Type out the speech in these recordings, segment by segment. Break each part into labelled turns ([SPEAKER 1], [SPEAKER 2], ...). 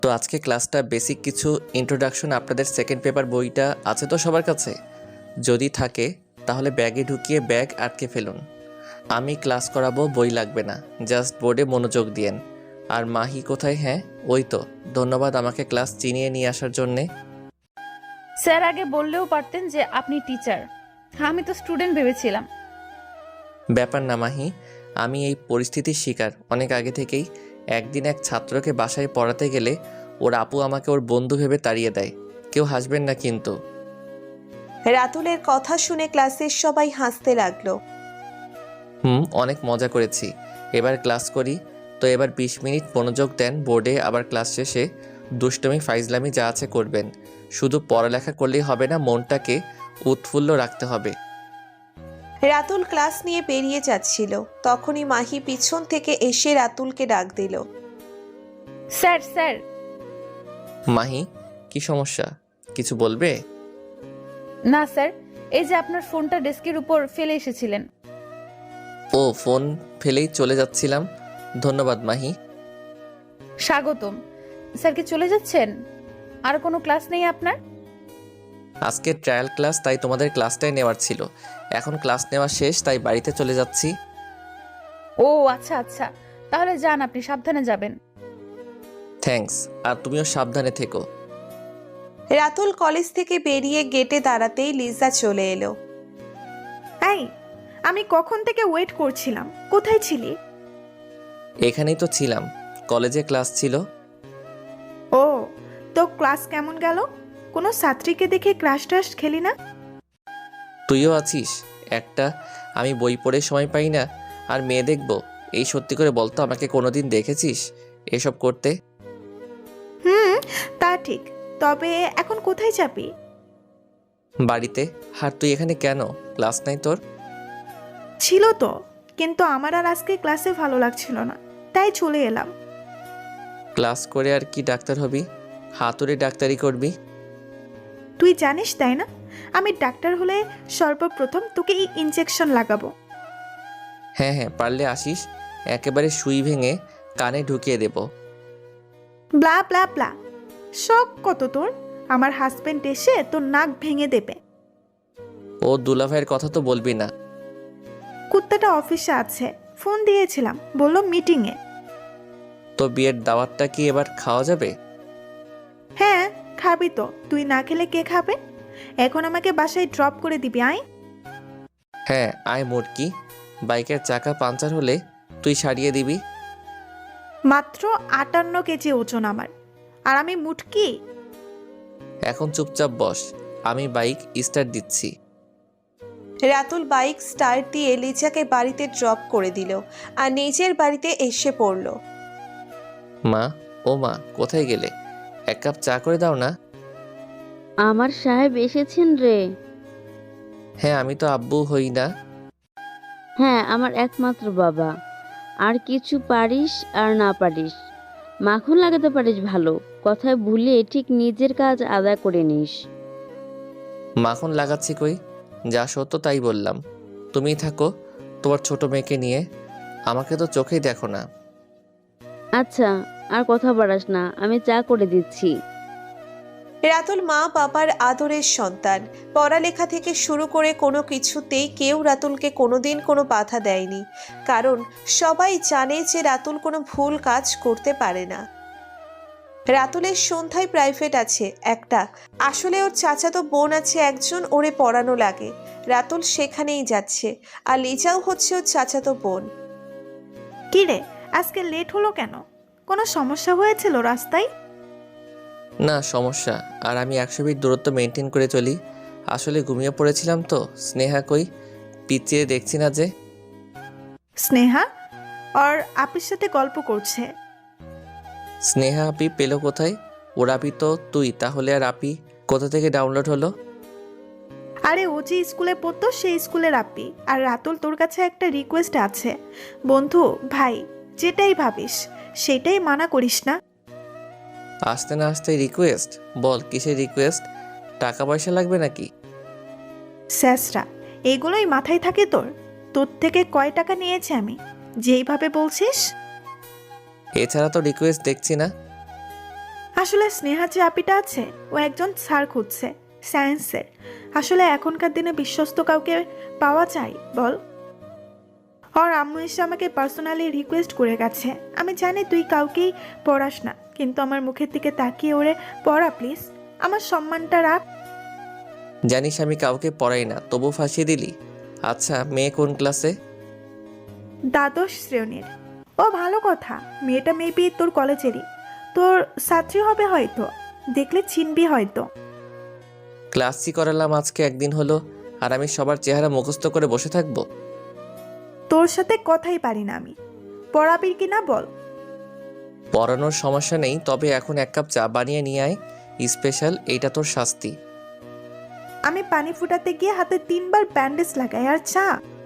[SPEAKER 1] তো আজকে ক্লাসটা বেসিক কিছু ইন্ট্রোডাকশন আপনাদের সেকেন্ড পেপার বইটা আছে তো সবার কাছে? যদি থাকে তাহলে ব্যাগে ঢুকিয়ে ব্যাগ আটকে ফেলুন। আমি ক্লাস করাবো, বই লাগবে না, জাস্ট বোর্ডে মনোযোগ দিয়েন। আর মাহি কোথায়? হ্যাঁ ওই তো, ধন্যবাদ আমাকে ক্লাস চিনিয়ে নিয়ে আসার জন্যে।
[SPEAKER 2] স্যার আগে বললেও পারতেন যে আপনি টিচার। আমি তো স্টুডেন্ট ভেবেছিলাম।
[SPEAKER 1] ব্যাপার না মাহি, আমি এই পরিস্থিতির শিকার অনেক আগে থেকেই। একদিন এক ছাত্রকে বাসায় পড়াতে গেলে ওর আপু আমাকে ওর বন্ধু ভেবে তাড়িয়ে দেয়। কেউ হাসবেন না কিন্তু।
[SPEAKER 3] রাতুলের কথা শুনে ক্লাসের সবাই হাসতে লাগলো।
[SPEAKER 1] অনেক মজা করেছি। এবার ক্লাস করি। তো এবার 20 মিনিট মনোযোগ দেন বোর্ডে, আবার ক্লাস শেষে দুষ্টমি ফাইজলামি যা আছে করবেন। শুধু পড়ালেখা করলেই হবে না, মনটাকে উৎফুল্ল রাখতে হবে।
[SPEAKER 3] রাতুল ক্লাস নিয়ে বেরিয়ে যাচ্ছিল, তখনই মাহি পিছন থেকে এসে রাতুলকে ডাক দিল।
[SPEAKER 2] Sir sir.
[SPEAKER 1] মাহি, কি সমস্যা? কিছু বলবে?
[SPEAKER 2] না স্যার, এই যে আপনার ফোনটা ডেস্কের উপর ফেলে এসেছিলেন।
[SPEAKER 1] ও, ফোন ফেলেই চলে যাচ্ছিলাম। ধন্যবাদ মাহি।
[SPEAKER 2] স্বাগতম। স্যার কি চলে যাচ্ছেন? আর কোনো ক্লাস নেই আপনার?
[SPEAKER 1] আজকে ট্রায়াল ক্লাস, তাই তোমাদের ক্লাসটাই নেওয়ার ছিল। এখন ক্লাস নেওয়া শেষ, তাই বাড়িতে চলে যাচ্ছি।
[SPEAKER 2] ও আচ্ছা আচ্ছা, তাহলে যান, আপনি সাবধানে যাবেন।
[SPEAKER 1] থ্যাঙ্কস, আর তুমিও সাবধানে থেকো।
[SPEAKER 3] রাতুল কলেজ থেকে বেরিয়ে গেটে দাঁড়াতেই লিজা চলে এলো।
[SPEAKER 4] এই, আমি কখন থেকে ওয়েট করছিলাম, কোথায় ছিলি?
[SPEAKER 1] এখানেই তো ছিলাম, কলেজে ক্লাস ছিল।
[SPEAKER 4] ও, তো ক্লাস কেমন গেল? কোনো ছাত্রীকে দেখে ক্রাশ টাশ খেলি না?
[SPEAKER 1] তুইও আছিস একটা। আমি বই পড়ে সময় পাই না, আর মেয়ে দেখবো? এই সত্যি করে বলতো, আমাকে কোনোদিন দেখেছিস এসব করতে?
[SPEAKER 4] হুম, তা ঠিক। তবে এখন কোথায় যাবি?
[SPEAKER 1] বাড়িতে। আর তুই এখানে কেন? ক্লাস নাই তোর?
[SPEAKER 4] ছিল তো, কিন্তু আমার আর আজকে ক্লাসে ভালো লাগছিল না, তাই চলে এলাম।
[SPEAKER 1] ক্লাস করে আর কি ডাক্তার হবি? হাতুড়ে ডাক্তারি করবি?
[SPEAKER 4] তুই জানিস তাই না, আমি ডাক্তার হলে সর্বপ্রথম তোকে এই ইনজেকশন লাগাবো।
[SPEAKER 1] হ্যাঁ হ্যাঁ, পারলে আসিস, একেবারে সুই ভেঙে কানে ঢুকিয়ে দেব।
[SPEAKER 4] ব্লা ব্লা ব্লা, শখ কত তোর! আমার হাজবেন্ড এসে তোর নাক ভেঙে দেবে।
[SPEAKER 1] ও দুলাভাইয়ের কথা তো বলবি না।
[SPEAKER 4] কুত্তাটা অফিসে আছে, ফোন দিয়েছিলাম, বললো মিটিংয়ে।
[SPEAKER 1] তো বিয়ের দাওয়াতটা কি এবার খাওয়া যাবে?
[SPEAKER 4] হ্যাঁ খাবি তো, তুই না খেলে কে খাবে? এখন আমাকে বাসায় ড্রপ করে দিবি, আয়।
[SPEAKER 1] হ্যাঁ আয় মোটকি, বাইকের চাকা পাঞ্চার হলে তুই সারিয়ে দিবি।
[SPEAKER 4] মাত্র 58 কেজি ওজন আমার, আর আমি মুটকি?
[SPEAKER 1] এখন চুপচাপ বস, আমি বাইক স্টার্ট দিচ্ছি।
[SPEAKER 3] রাতুল বাইক স্টার্ট দিয়ে লিজাকে বাড়িতে ড্রপ করে দিল আর নিজের বাড়িতে এসে পড়ল।
[SPEAKER 1] মা, ও মা, কোথায় গেলে? এক কাপ চা করে দাও না।
[SPEAKER 5] আমার সাহেব এসেছেন রে।
[SPEAKER 1] হ্যাঁ, আমি তো আব্বু হই না।
[SPEAKER 5] হ্যাঁ, আমার একমাত্র বাবা। আর কিছু পারিস আর না পারিস, মাখন লাগাতে পারিস ভালো, কথায় ভুলে ঠিক নিজের কাজ আদায় করে নিস।
[SPEAKER 1] মাখন লাগাচ্ছি কই? যা সত্য তাই বললাম। তুমিই থাকো তোমার ছোট মেয়েকে নিয়ে, আমাকে তো চোখেই দেখো না।
[SPEAKER 5] আচ্ছা, আর কথা বাড়াস না, আমি চা করে দিচ্ছি।
[SPEAKER 3] রাতুল মা বাবার আদরের সন্তান। পড়ালেখা থেকে শুরু করে কোনো কিছুতেই কেউ রাতুলকে কোনোদিন কোনো বাধা দেয়নি, কারণ সবাই জানে যে রাতুল কোনো ভুল কাজ করতে পারে না। রাতুলের সন্ধ্যায় প্রাইভেট আছে একটা, আসলে ওর চাচাতো বোন আছে একজন, ওরে পড়ানো লাগে। রাতুল সেখানেই যাচ্ছে, আর লিজাও হচ্ছে ওর চাচাতো বোন।
[SPEAKER 4] কি রে, আজকে লেট হলো কেন? কোনো সমস্যা হয়েছিল রাস্তায়?
[SPEAKER 1] না সমস্যা, আর আমি 100 ফিট দূরত্ব মেনটেন করে চলি। আসলে ঘুমিয়ে পড়েছিলাম তো। স্নেহা কই? পিছিয়ে দেখছি না যে।
[SPEAKER 4] স্নেহা আর আপির সাথে গল্প করছে।
[SPEAKER 1] স্নেহা আপি পেলো কোথায়? ওর আপি তো তুই, তাহলে আর আপি কোথা থেকে ডাউনলোড হলো?
[SPEAKER 4] আরে ও যে স্কুলে পড়তো সেই স্কুলের আপি। আর রাতুল, তোর কাছে একটা রিকোয়েস্ট আছে। বন্ধু, ভাই, যেটাই ভাবিস সেটাই মানা করিস না।
[SPEAKER 1] আসতে না আসতে রিকোয়েস্ট? বল কিসের রিকোয়েস্ট? টাকা পয়সা লাগবে নাকি?
[SPEAKER 4] স্যাসরা, এগুলোই মাথায় থাকে তোর? তোর থেকে কয় টাকা নিয়েছে আমি, যেইভাবে বলছিস?
[SPEAKER 1] এছাড়া তো রিকোয়েস্ট দেখছি না।
[SPEAKER 4] আসলে স্নেহা যে আপিটা আছে ও একজন স্যার খুঁজছে সায়েন্সের। আসলে এখনকার দিনে বিশ্বস্ত কাউকে পাওয়া যায় বল? ওর আম্মু এসে আমাকে পার্সোনালি রিকোয়েস্ট করে গেছে। আমি জানি তুই কাউকেই পড়াস না, কিন্তু আমার মুখের দিকে তাকিয়ে ওরে পড়া প্লিজ, আমার সম্মানটা রাখ।
[SPEAKER 1] জানিস আমি কাউকে পড়াই না, তবু ফাঁসিয়ে দিলি। আচ্ছা, মেয়ে কোন ক্লাসে?
[SPEAKER 4] দ্বাদশ শ্রেণীর। ও ভালো কথা, মেয়েটা মেবি তোর কলেজেরই, তোর ছাত্রী হবে হয়তো, দেখলে চিনবি হয়তো।
[SPEAKER 1] ক্লাসই করালাম আজকে একদিন হলো, আর আমি সবার চেহারা মুখস্থ করে বসে থাকবো?
[SPEAKER 4] তোর সাথে কথাই পারি না আমি, পড়াবি কি না বল?
[SPEAKER 1] পড়ানোর সমস্যা নেই, তবে এখন 1 কাপ চা বানিয়ে নিয়ে আয়, স্পেশাল, এইটা তোর শাস্তি।
[SPEAKER 4] আমি পানি ফুটাতে গিয়ে হাতে 3বার ব্যান্ডেজ লাগাই, আর চা?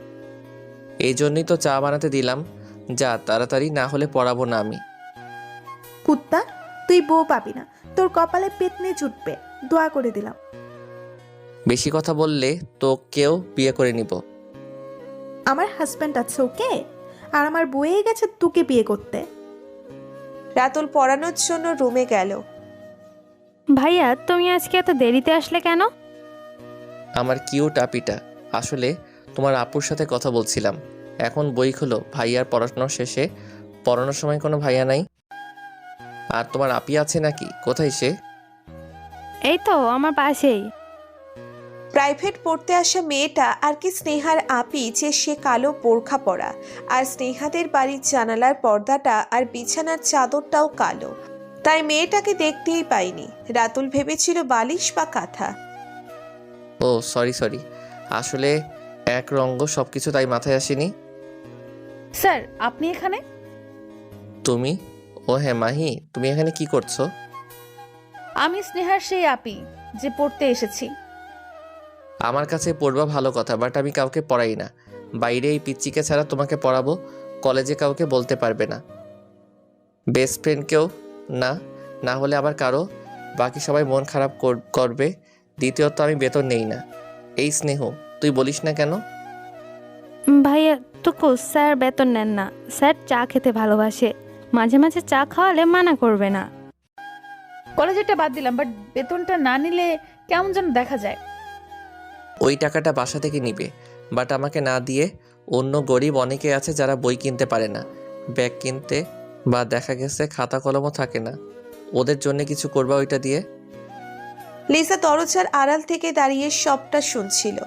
[SPEAKER 1] এই জন্যই তো চা বানাতে দিলাম, যা তাড়াতাড়ি, না হলে পড়াবো না আমি।
[SPEAKER 4] কুত্তা, তুই বউ পাবি না, তোর কপালে পেতনি জুটবে, দোয়া করে দিলাম।
[SPEAKER 1] বেশি কথা বললে তোকেও বিয়ে করে নিব।
[SPEAKER 4] আমার হাজব্যান্ড আছে ওকে, আর আমার বয়ে গেছে তোকে বিয়ে করতে।
[SPEAKER 3] রাতুল পড়ানোর জন্য রুমে গেল।
[SPEAKER 6] ভাইয়া তুমি আজকে এত দেরিতে আসলে কেন?
[SPEAKER 1] আমার কিউট আপিটা, আসলে তোমার আপুর সাথে কথা বলছিলাম। এখন বই খোলো, ভাইয়ার পড়াশোনা শেষে। পড়ানোর সময় কোনো ভাইয়া নাই। আর তোমার আপি আছে নাকি? কোথায় সে?
[SPEAKER 6] এই তো আমার পাশেই।
[SPEAKER 3] প্রাইভেট পড়তে আসা মেয়েটা আর কি স্নেহার আপি যে সে কালো বোরখা পরা, আর স্নেহাদের বাড়ির জানালার পর্দাটা আর বিছানার চাদরটাও কালো, তাই মেয়েটাকে দেখতেই পাইনি। রাতুল ভেবেছিল বালিশ বা কাঁথা।
[SPEAKER 1] ও সরি, আসলে এক রঙ্গ সব কিছু, তাই মাথায় আসেনি।
[SPEAKER 2] স্যার আপনি এখানে?
[SPEAKER 1] তুমি? ও হ্যাঁ মাহি, তুমি এখানে কি করছো?
[SPEAKER 2] আমি স্নেহার সেই আপি যে পড়তে এসেছি।
[SPEAKER 1] আমার কাছে পড়বা ভালো কথা, বাট আমি কাউকে পড়াই না। বাইরে এই পিচ্চিকে ছাড়া তোমাকে পড়াবো, কলেজে কাউকে বলতে পারবে না। বেস্ট ফ্রেন্ডকেও না, না হলে আবার কারো, বাকি সবাই মন খারাপ করবে। দ্বিতীয়ত আমি বেতন নেই না। এই স্নেহ, তুই বলিস না কেন?
[SPEAKER 6] ভাইয়া টুকু স্যার বেতন নেন না, স্যার চা খেতে ভালোবাসে, মাঝে মাঝে চা খাওয়ালে মানা করবে না।
[SPEAKER 2] কলেজেরটা বাদ দিলাম, বাট বেতনটা না নিলে কেমন যেন দেখা যায়।
[SPEAKER 1] ওই টাকাটা বাসা থেকে নিবে, বাট আমাকে না দিয়ে। অন্য গরিব অনেকে আছে যারা বই কিনতে পারে না, ব্যাগ কিনতে, বা দেখা গেছে খাতা কলমও থাকে না, ওদের জন্য কিছু করবা ওইটা দিয়ে।
[SPEAKER 3] লিসা দরজার আড়াল থেকে দাঁড়িয়ে সবটা শুনছিল।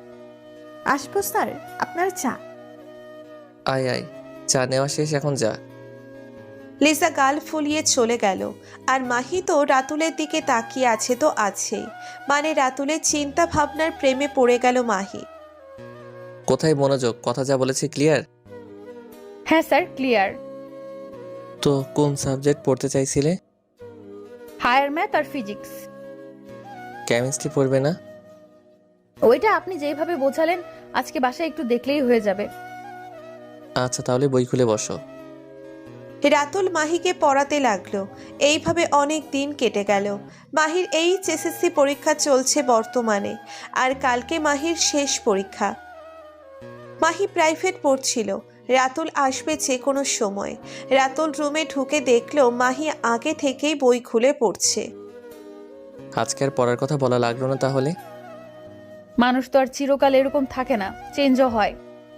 [SPEAKER 4] আসবো স্যার, আপনার চা।
[SPEAKER 1] আয় আয়, চা নেওয়া শেষ, এখন যা।
[SPEAKER 3] লিসা গাল ফুলিয়ে চলে গেল। আর মাহি তো রাতুলের দিকে তাকিয়ে আছে তো আছেই, মানে রাতুলের চিন্তা ভাবনার প্রেমে পড়ে গেল মাহি।
[SPEAKER 1] কোথায় মনোযোগ? কথা যা বলেছি ক্লিয়ার?
[SPEAKER 2] হ্যাঁ স্যার, ক্লিয়ার।
[SPEAKER 1] তো কোন সাবজেক্ট পড়তে চাইছিলে?
[SPEAKER 2] হায়ার ম্যাথ আর ফিজিক্স।
[SPEAKER 1] কেমিস্ট্রি পড়বে না?
[SPEAKER 2] ওইটা আপনি যেভাবে বোঝালেন আজকে বাসায় একটু দেখলেই হয়ে যাবে।
[SPEAKER 1] আচ্ছা তাহলে বই খুলে বসো।
[SPEAKER 3] রাতুল মাহিকে পড়াতে লাগলো। এইভাবে অনেক দিন কেটে গেল। মাহির এইচএসএসসি পরীক্ষা চলছে বর্তমানে, আর কালকে মাহির শেষ পরীক্ষা। মাহি প্রাইভেট পড়ছিল। রাতুল আসবে যে কোনো সময়। রাতুল রুমে ঢুকে দেখলো মাহি আগে থেকেই বই খুলে পড়ছে।
[SPEAKER 1] আজকে আর পড়ার কথা বলা লাগলো না তাহলে?
[SPEAKER 2] মানুষ তো আর চিরকাল এরকম থাকে না, চেঞ্জও হয়।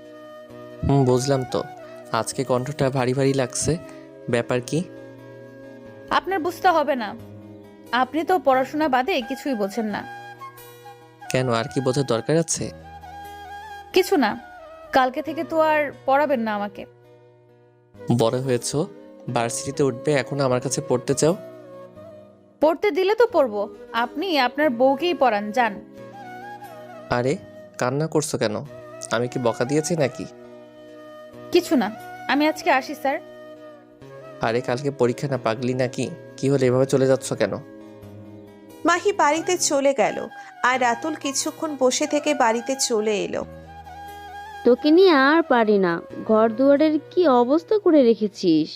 [SPEAKER 1] বুঝলাম তো। আজকে কণ্ঠটা ভারী ভারী লাগছে, ব্যাপার কি?
[SPEAKER 2] আপনার বুঝতে হবে না, আপনি তো পড়াশোনা বাদে কিছুই বোঝেন না।
[SPEAKER 1] কেন, আর কি বোঝার দরকার আছে?
[SPEAKER 2] কিছু না, কালকে থেকে তো আর পড়াবেন না আমাকে।
[SPEAKER 1] বড় হয়েছো, ভার্সিটিতে উঠবে, এখন আমার কাছে পড়তে চাও?
[SPEAKER 2] পড়তে দিলে তো পড়বো, আপনি আপনার বউকেই পড়ান, যান।
[SPEAKER 1] আরে কান্না করছো কেন? আমি কি বকা দিয়েছি নাকি?
[SPEAKER 2] কিছু না, আমি আজকে আসি স্যার।
[SPEAKER 1] আরে কালকে পরীক্ষা না, পাগলি নাকি? কি হলে এভাবে চলে যাচ্ছ কেন?
[SPEAKER 3] মাহি বাড়িতে চলে গেল, আর রাতুল কিছুক্ষণ বসে থেকে বাড়িতে চলে এলো।
[SPEAKER 5] তোকে নিয়ে আর পারি না, ঘর দুয়ারের কি অবস্থা করে রেখেছিস।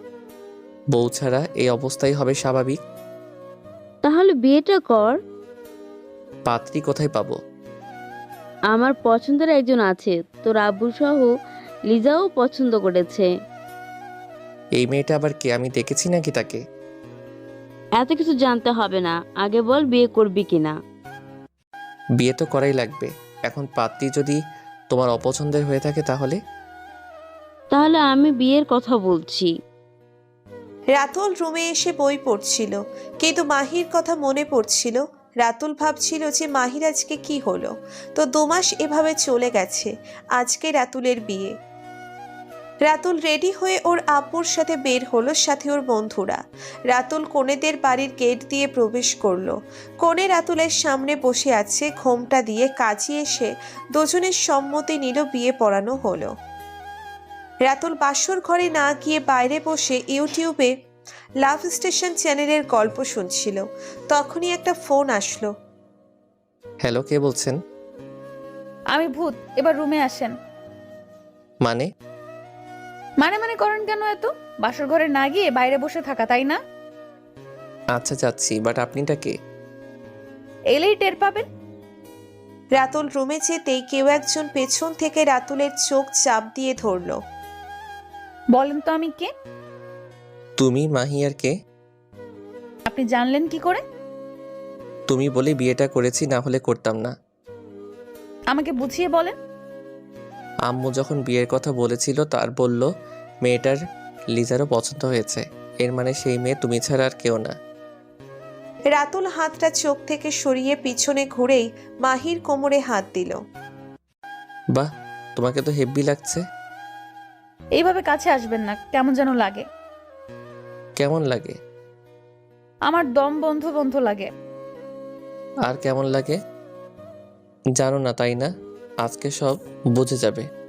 [SPEAKER 1] বউ ছাড়া এই অবস্থাই হবে স্বাভাবিক।
[SPEAKER 5] তাহলে বিয়েটা কর।
[SPEAKER 1] পাত্রী কোথায় পাবো?
[SPEAKER 5] আমার পছন্দের একজন আছে, তোর আব্বু সহ লিজাও পছন্দ করেছে।
[SPEAKER 1] এই মেয়েটা আবার কে? আমি দেখেছি নাকি তাকে?
[SPEAKER 5] এত কিছু জানতে হবে না, আগে বল বিয়ে করবি কিনা।
[SPEAKER 1] বিয়ে তো করাই লাগবে। এখন পাত্রী যদি তোমার অপছন্দের হয়ে থাকে তাহলে?
[SPEAKER 5] তাহলে আমি বিয়ের কথা বলছি।
[SPEAKER 3] রাতুল রুমে এসে বই পড়ছিল, কিন্তু মাহির কথা মনে পড়ছিল। রাতুল ভাবছিল যে মাহির আজকে কি হলো, তো 2 মাস এভাবে চলে গেছে। আজকে রাতুলের বিয়ে। রাতুল রেডি হয়ে ওর আব্বুর সাথে বের হলো, সাথে ওর বন্ধুরা। রাতুল কনেদের বাড়ির গেট দিয়ে প্রবেশ করলো। কনে রাতুলের সামনে বসে আছে, ঘোমটা দিয়ে কাজী এসে দুজনের সম্মতি নিল, বিয়ে পড়ানো হলো। রাতুল বাসর ঘরে না গিয়ে বাইরে বসে ইউটিউবে লাভ স্টেশন চ্যানেলের গল্প শুনছিল। তখনই একটা ফোন আসলো।
[SPEAKER 1] হ্যালো, কে বলছেন?
[SPEAKER 2] আমি ভূত, এবার রুমে আসেন।
[SPEAKER 1] মানে?
[SPEAKER 2] মানে করেন কেন এত? বাসর ঘরে না গিয়ে বাইরে বসে থাকা, তাই না?
[SPEAKER 1] আচ্ছা যাচ্ছি, বাট আপনিটা কে?
[SPEAKER 2] এলেই টের পাবেন।
[SPEAKER 3] রাতুল রুমে যেতেই কেউ একজন পেছন থেকে রাতুলের চোখ চাপ দিয়ে ধরলো।
[SPEAKER 2] বলেন তো আমি কে?
[SPEAKER 1] তুমি মাহি আর কে?
[SPEAKER 2] আপনি জানলেন কি করে?
[SPEAKER 1] তুমি বলে বিয়েটা করেছি, না হলে করতাম না।
[SPEAKER 2] আমাকে বুঝিয়ে বলেন।
[SPEAKER 1] আম্মু যখন বিয়ের কথা বলেছিল তার বলল মেয়েটার লিজারও পছন্দ হয়েছে। এর মানে সেই মেয়ে তুমি ছাড়া আর কেউ না।
[SPEAKER 3] রাতুল হাতটা চোখ থেকে সরিয়ে পিছনে ঘুরেই মাহির কোমরে হাত দিল।
[SPEAKER 1] বাহ, তোমাকে তো হেব্বি লাগছে।
[SPEAKER 2] এইভাবে কাছে আসবেন না, কেমন যেন লাগে।
[SPEAKER 1] কেমন লাগে?
[SPEAKER 2] আমার দম বন্ধ বন্ধ লাগে।
[SPEAKER 1] আর কেমন লাগে জানো না, তাই না? আজকে সব বুঝে যাবে।